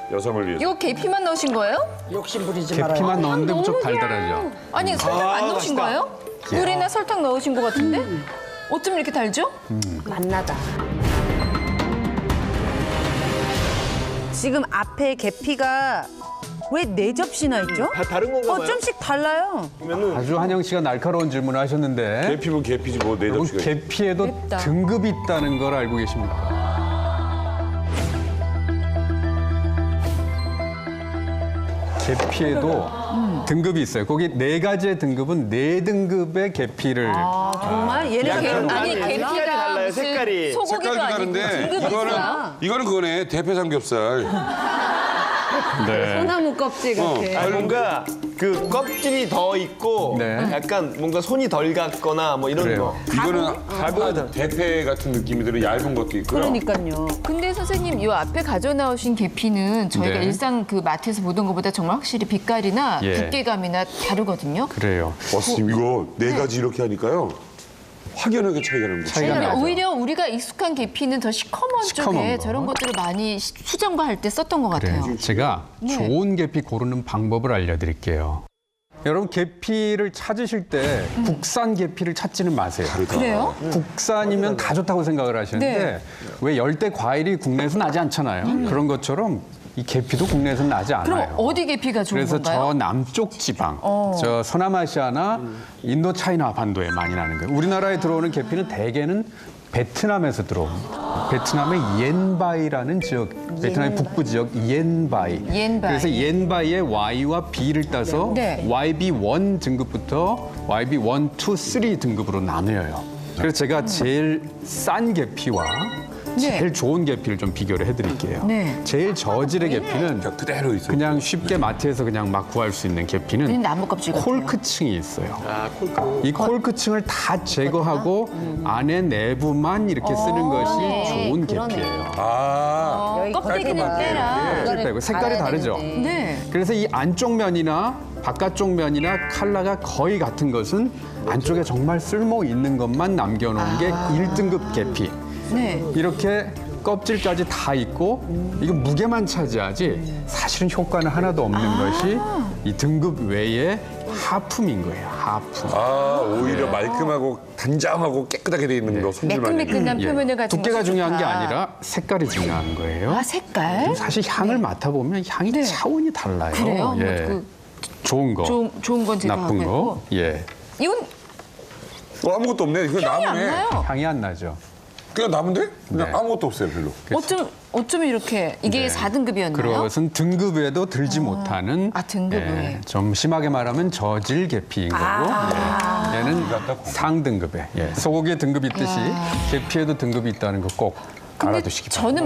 여성을 위해서. 이거 계피만 넣으신 거예요? 욕심 부리지 말아요. 계피만 넣었는데 무척 달달하죠. 아니 설탕 안 넣으신 거예요? 물이나 설탕 넣으신 것 같은데? 어쩜 이렇게 달죠? 맛나다. 지금 앞에 계피가 왜 4접시나 있죠? 다 다른 건가 봐요. 좀씩 달라요. 그러면은 아주 한영 씨가 날카로운 질문을 하셨는데 계피면 계피지 뭐 네 여러분 접시가. 계피에도 맵다. 등급이 있다는 걸 알고 계십니까? 계피에도 등급이 있어요. 거기 4가지의 등급은 4등급의 계피를 정말 얘는 아니 색깔이 계피가 달라요, 무슨 색깔이. 소고기도 색깔도 아니고 다른데 등급이 있어요. 이거는 그거네 대패 삼겹살. 네. 소나무 껍질 같아. 뭔가 그 껍질이 더 있고 네. 약간 뭔가 손이 덜 갔거나 뭐 이런 그래요. 거. 이거는 대패 같은 느낌이 들어 얇은 것도 있고요. 그러니까요. 근데 선생님 이 앞에 가져 나오신 계피는 저희가 네. 일상 그 마트에서 보던 것보다 정말 확실히 빛깔이나 예. 두께감이나 다르거든요. 그래요. 선생님 이거 4가지 이렇게 하니까요. 확연하게 차이가 나는 거죠. 차이가 왜냐면 나죠. 오히려 우리가 익숙한 계피는 더 시커먼 시커먼 쪽에 거. 저런 것들을 많이 수정과할 때 썼던 것 같아요. 그래요. 제가 네. 좋은 계피 고르는 방법을 알려드릴게요. 여러분 계피를 찾으실 때 국산 계피를 찾지는 마세요. 그래요? 국산이면 다 좋다고 생각을 하시는데 네. 왜 열대 과일이 국내에서 나지 않잖아요. 그런 것처럼 이 계피도 국내에서 나지 않아요. 그럼 어디 계피가 좋은 그래서 건가요? 저 남쪽 지방, 저 서남아시아나 인도 차이나 반도에 많이 나는 거예요. 우리나라에 들어오는 계피는 대개는 베트남에서 들어옵니다. 베트남의 옌바이라는 지역, 베트남의 북부 지역 옌바이. 옌바이. 그래서 옌바이의 Y와 B를 따서 네. YB1 등급부터 YB1, 2, 3 등급으로 나뉘어요. 그래서 제가 제일 싼 계피와 제일 좋은 계피를 좀 비교를 해드릴게요. 네. 제일 저질의 계피는 그대로 있어요. 그냥 쉽게 마트에서 그냥 막 구할 수 있는 그냥 계피는 나무 껍질 같아요. 콜크층이 있어요. 아, 콜크. 이 콜크층을 다 제거하고 안에 내부만 이렇게 쓰는 것이 좋은 계피예요. 껍데기는 빼라. 껍질 빼고 색깔이 다르죠. 네. 그래서 이 안쪽 면이나 바깥쪽 면이나 컬러가 거의 같은 것은 안쪽에 정말 쓸모 있는 것만 남겨놓은 게 1등급 계피. 네. 이렇게 껍질까지 다 있고 이거 무게만 차지하지 사실은 효과는 하나도 없는 것이 이 등급 외에 하품인 거예요. 하품. 오히려 말끔하고 단정하고 깨끗하게 돼 있는 거 손질만 해도. 매끈매끈한 예. 표면을 가진 두께가 것이 중요한 게 좋다. 아니라 색깔이 중요한 거예요. 아 색깔? 사실 향을 맡아보면 향이 네. 차원이 달라요. 그래요? 뭐 예. 그 좋은 거, 좋은 건 제가 나쁜 하고 거, 예, 이건 아무것도 없네. 그냥 향이 안 나무네. 나요. 향이 안 나죠. 그냥 나무인데? 그냥 네. 아무것도 없어요 별로. 어쩜 이렇게 이게 4등급이었나요? 그것은 등급에도 들지 못하는 등급 외에. 좀 심하게 말하면 저질 계피인 거고 예. 얘는 상등급에 소고기에 등급이 있듯이 계피에도 등급이 있다는 거 꼭 알아두시기 바랍니다. 저는